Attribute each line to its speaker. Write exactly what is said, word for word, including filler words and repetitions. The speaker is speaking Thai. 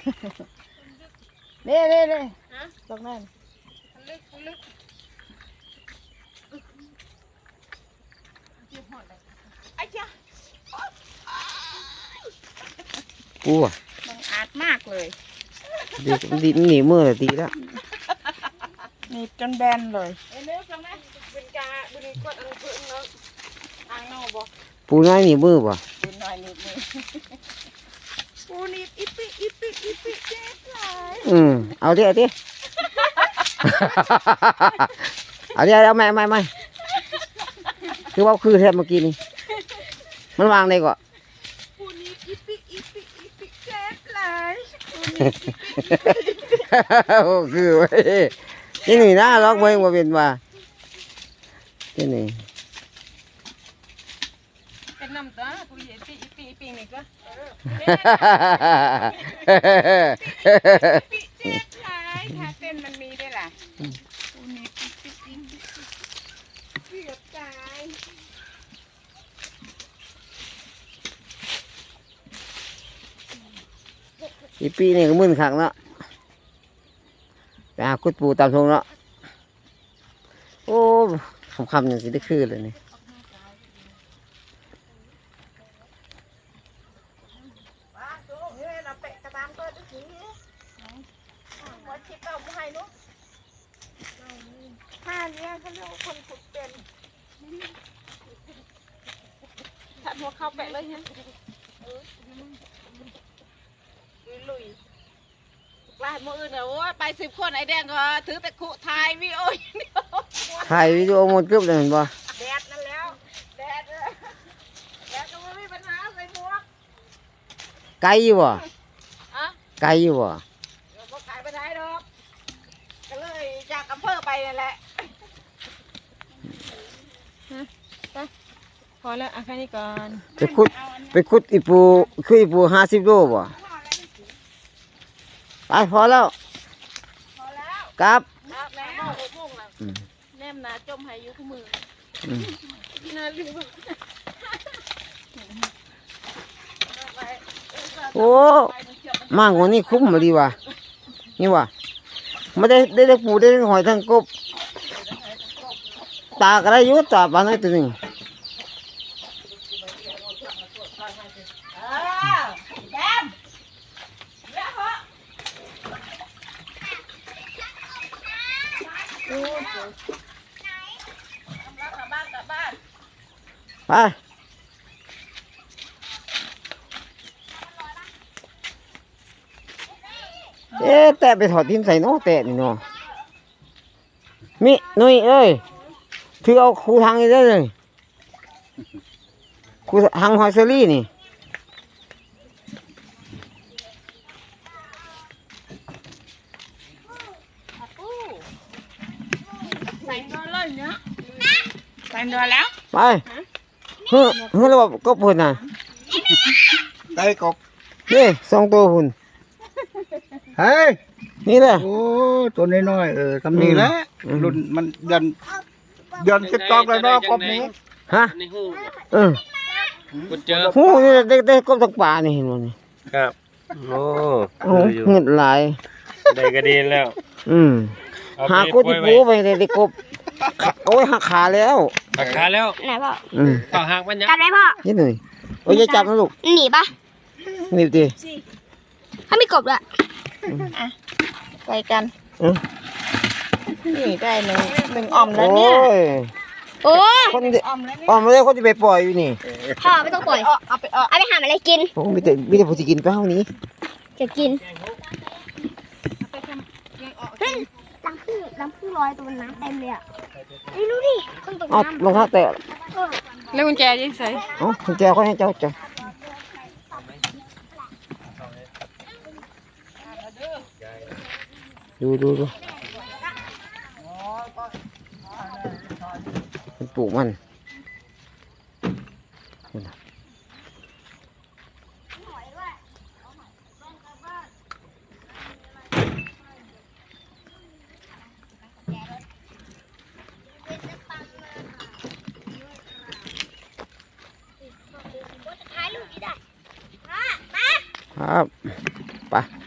Speaker 1: เน่เน่เน่ตรงนั้นลึกลึกไอ้เจ้า
Speaker 2: ปูอ่ะ
Speaker 1: มันอาดมากเลย
Speaker 2: ดีดีหนีมือเลยดีแล้ว
Speaker 1: หนีจนแบนเลยเอ้ยเนื้อจังไหมบุญกาบุญกวดอันเพิ่งเนาะทางนอกบ่
Speaker 2: ปูน้อยหนีมือป่ะ
Speaker 1: ปูน้อยหนีมือปูหนีอีปิอีปิอีปิเจ็บเลย
Speaker 2: อืมเอาดิเอาดิเอาดิเอาไม่ไม่ไม่คือว่าคือแทบเมื่อกี้นี่มันวางได้ก่อน
Speaker 1: ปูหนีอีปิอีปิอีปิเจ็บเลย
Speaker 2: โอ้คือไว้ที่นี่นะล็อกไว้มาเป็นว่าที่นี่
Speaker 1: เป็นน้ำตาปูหนีอีปิอีปิอีปินี่ก็ปิเจ็บเลยถ้าเต้นมันมีได้ล่ะปูหนีอีปิอีปิเกือบตาย
Speaker 2: อีปีนี่ก็มึนขังเนาะไปหาคุดปูตามทงเนาะโอ้คำคำอย่างสิได้คืนเลยนี่
Speaker 1: ท่านี้เขาเรียกว่าคนขุดเป็นถ้าหัวเข้าแปะเลยฮะลุยลายมืออื่นเนี่ยโอ้ยไปสิบคนไอ้แดงก็ถือแต่ขุถ่ายวิดีโออย่างเดียว
Speaker 2: ถ่ายวิดีโอหมดกึ๊บเลยเห็นป่ะ
Speaker 1: แดดนั่นแล้วแดดแดดก็ไม่มีปัญหาใส่หมวก
Speaker 2: ไกลอยู่บ่
Speaker 1: อะ
Speaker 2: ไกลอยู่บ่
Speaker 1: เดี๋ยวก็ขายไปได้ดอกก็เลยจากอำเภอไปนั่นแหละพอแล้วอ่ะแค่นี้ก่อน
Speaker 2: ไปขุดไปขุดอีปูคืออีปูห้าสิบโลบ่ไปพอแล้ว
Speaker 1: พอแล้ว
Speaker 2: ครับ
Speaker 1: แล้วแนมนาจมหายอยู่คู่มือน่าลืม
Speaker 2: โอ้มากกว่านี้คุ้มมาดีว่ะนี่ว่ะไม่ได้ได้ได้ปูได้หอยทั้งกบตากระยุตาบานไอ้ตัวหนึ่งไปเอ๊ะแต่ไปถอดทิ้งใส่น้อแต่นี่เนาะมินุ้ยเอ้ยถือเอาคูทางนี้ได้เลยคูทางหอยเซอรี่นี่
Speaker 1: ใส่ตัวเลยเนาะใส่ตัวแล้ว
Speaker 2: ไปเฮ้ยเฮ้ยเราบอกกบหุ่นน่ะ
Speaker 3: ได้กบ
Speaker 2: นี่สองตัวหุ่น
Speaker 3: เฮ้ย
Speaker 2: นี่แหละ
Speaker 3: โอ้ตัวน้อยๆเออทำนี่แหละรุ่นมันเดือนเดือนสิบตอกแล้วเนาะกบนี้
Speaker 2: ฮะเออ
Speaker 4: คุณเจอ
Speaker 2: หูนี่ได้ได้กบทั้งป่านี่เห็นมั้ย
Speaker 4: ครับโอ้
Speaker 2: โอ้เงินหลาย
Speaker 4: ได้กระดีแล้ว
Speaker 2: อืมหากุฏิปูไปได้ได้กบโอ้ยหักขาแล้ว
Speaker 4: หักขาแล้ว
Speaker 5: ไหนพ่อ
Speaker 2: อืม
Speaker 4: ต่อหักมันยัง
Speaker 5: จับได้พ่อ
Speaker 2: นี่หน่อยโอ้ยจะจับนะลูก
Speaker 5: หนีปะ
Speaker 2: หนีดิ
Speaker 5: ถ้ามีกบด้วย
Speaker 1: อ่ะใส่กันนี่ได้หนึ่งหนึ่งอ่อมแล้วเนี่ย
Speaker 5: โอ้
Speaker 2: คนอ่อมแล้วอ่อมแล้วคนจะไปปล่อยอยู่นี่
Speaker 5: พ่อไม่ต้องปล่อย
Speaker 1: เอาไปเอา
Speaker 5: ไปหาอะไรกิน
Speaker 2: โอ้ไม่แต่ไม่แต่ผมจะกินไปเท่านี้
Speaker 5: จะกินเฮ้ยรังพึ่งรังพึ่งลอยตัวน้ำเต็มเลยอ่ะนี่ดูดิคนตกน้ำ
Speaker 2: รองเท้าแตะ
Speaker 1: แล้วกุญแจยิ่งใส่
Speaker 2: อ๋อกุญแจเขาให้เจ้าจ้ะดูดูดูมันปลูกมันครับไป